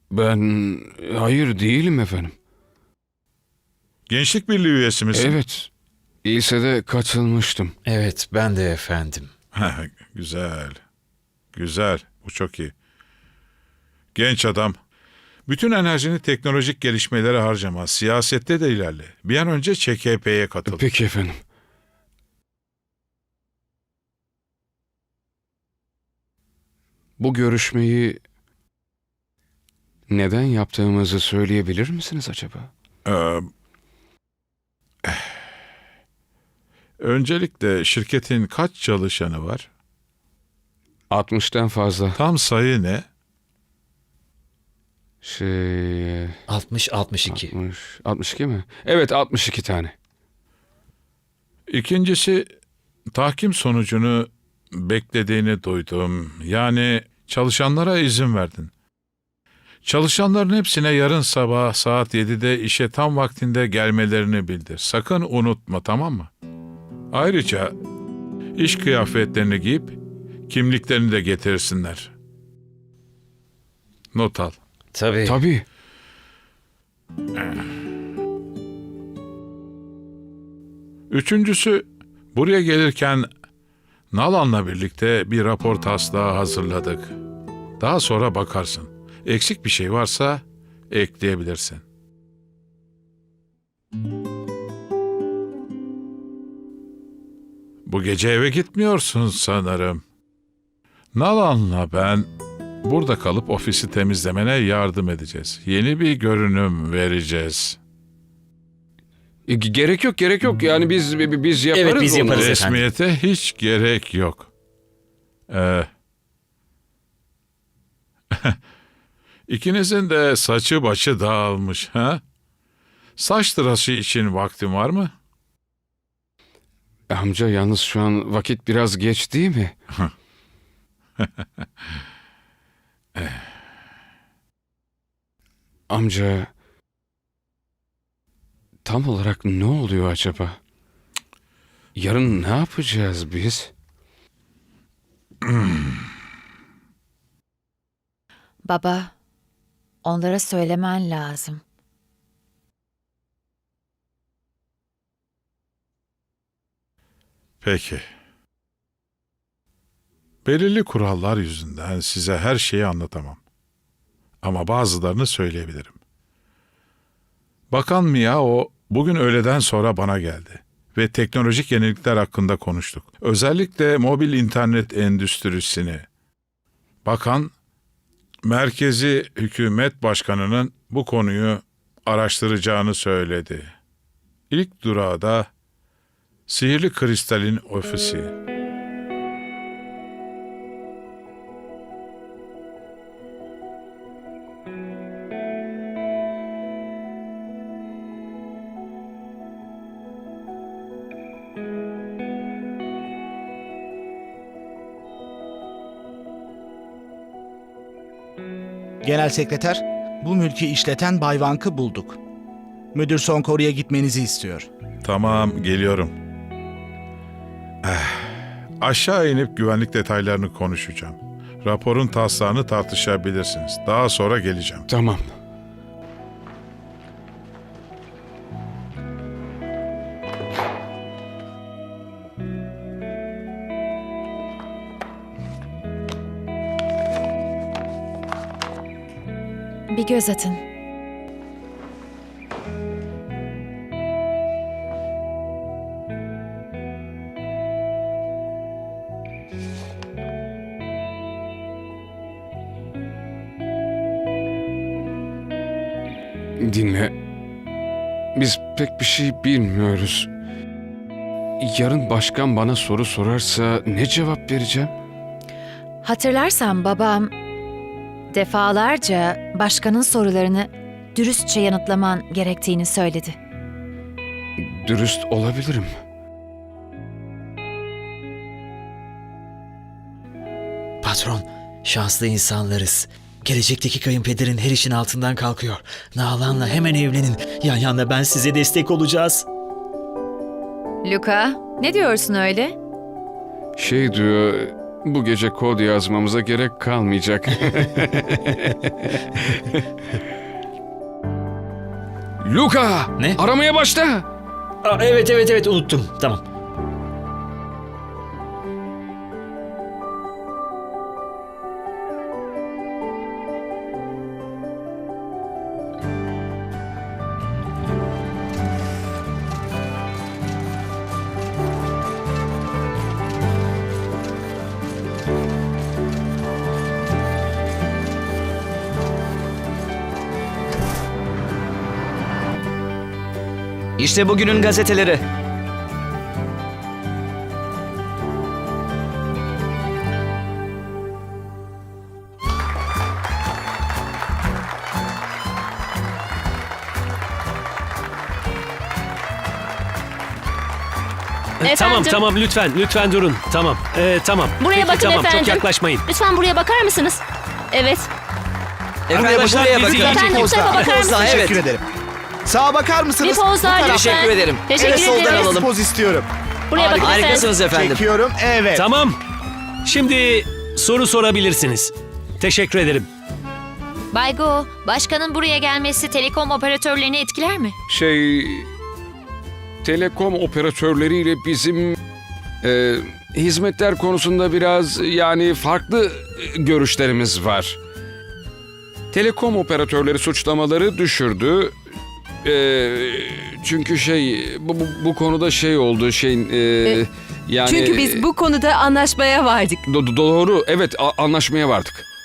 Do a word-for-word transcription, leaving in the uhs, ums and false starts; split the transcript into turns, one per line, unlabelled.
Ben hayır değilim efendim.
Gençlik Birliği üyesi misin?
Evet. Lisede katılmıştım.
Evet, ben de efendim.
Ha, güzel. Güzel. Bu çok iyi. Genç adam. Bütün enerjini teknolojik gelişmelere harcama. Siyasette de ilerle. Bir an önce Ç K P'ye katıl.
Peki efendim. Bu görüşmeyi neden yaptığımızı söyleyebilir misiniz acaba?
Ee, öncelikle şirketin kaç çalışanı var?
altmıştan fazla.
Tam sayı ne?
Şey...
altmış altmış iki.
altmış, altmış iki mi? Evet, altmış iki tane.
İkincisi, tahkim sonucunu beklediğini duydum. Yani çalışanlara izin verdin. Çalışanların hepsine yarın sabah saat yedide işe tam vaktinde gelmelerini bildir. Sakın unutma, tamam mı? Ayrıca iş kıyafetlerini giyip kimliklerini de getirsinler. Not al.
Tabii.
Tabii.
Üçüncüsü, buraya gelirken Nalan'la birlikte bir rapor taslağı hazırladık. Daha sonra bakarsın. Eksik bir şey varsa ekleyebilirsin. Bu gece eve gitmiyorsun sanırım. Nalan'la ben burada kalıp ofisi temizlemene yardım edeceğiz. Yeni bir görünüm vereceğiz.
E, gerek yok, gerek yok. Yani biz bi- biz yaparız
Evet, biz
onu.
yaparız.
Resmiyete hiç gerek yok. Ee, İkinizin de saçı başı dağılmış, ha? Saç tıraşı için vaktin var mı?
Amca yalnız şu an vakit biraz geç değil mi? Amca, tam olarak ne oluyor acaba? Yarın ne yapacağız biz?
Baba, onlara söylemen lazım.
Peki. Belirli kurallar yüzünden size her şeyi anlatamam. Ama bazılarını söyleyebilirim. Bakan Miao bugün öğleden sonra bana geldi ve teknolojik yenilikler hakkında konuştuk. Özellikle mobil internet endüstrisini. Bakan, merkezi hükümet başkanının bu konuyu araştıracağını söyledi. İlk durağı da Sihirli Kristal'in ofisi.
Genel sekreter, bu mülkü işleten Bay Vank'ı bulduk. Müdür Sonkoru'ya gitmenizi istiyor.
Tamam, geliyorum. Eh, aşağı inip güvenlik detaylarını konuşacağım. Raporun taslağını tartışabilirsiniz. Daha sonra geleceğim.
Tamam.
Bir göz atın.
Dinle. Biz pek bir şey bilmiyoruz. Yarın başkan bana soru sorarsa ne cevap vereceğim?
Hatırlarsan babam defalarca başkanın sorularını dürüstçe yanıtlaman gerektiğini söyledi.
Dürüst olabilirim.
Patron, şanslı insanlarız. Gelecekteki kayınpederin her işin altından kalkıyor. Nalan'la hemen evlenin. Yan yana ben size destek olacağız.
Luka, ne diyorsun öyle?
Şey diyor, bu gece kod yazmamıza gerek kalmayacak. Luka!
Ne?
Aramaya başla!
Aa, evet evet evet unuttum. Tamam.
İşte bugünün gazeteleri.
Efendim?
Tamam tamam lütfen lütfen durun. Tamam ee, tamam.
Buraya
Peki,
bakın
tamam,
efendim.
Çok yaklaşmayın.
Lütfen buraya bakar mısınız? Evet.
Efendim
Arkadaşlar,
buraya
bizi
bakın.
gerçek
Efendim bu tarafa bakar
Pozlar,
mısınız?
evet.
Teşekkür ederim. Sağa bakar mısınız?
Bir poz daha
Bu taraf-
lütfen.
Teşekkür ederim.
Teşekkür
Evet, soldan
ederiz.
alalım.
Poz istiyorum.
Buraya bakın efendim.
Harikasınız efendim.
Çekiyorum. Evet.
Tamam. Şimdi soru sorabilirsiniz. Teşekkür ederim.
Bay Go, başkanın buraya gelmesi telekom operatörlerini etkiler mi?
Şey... Telekom operatörleriyle bizim... e, hizmetler konusunda biraz yani farklı e, görüşlerimiz var. Telekom operatörleri suçlamaları düşürdü. E, çünkü şey bu, bu, bu konuda şey oldu şeyin e, yani
Çünkü biz bu konuda anlaşmaya vardık.
Do- doğru evet a- anlaşmaya vardık.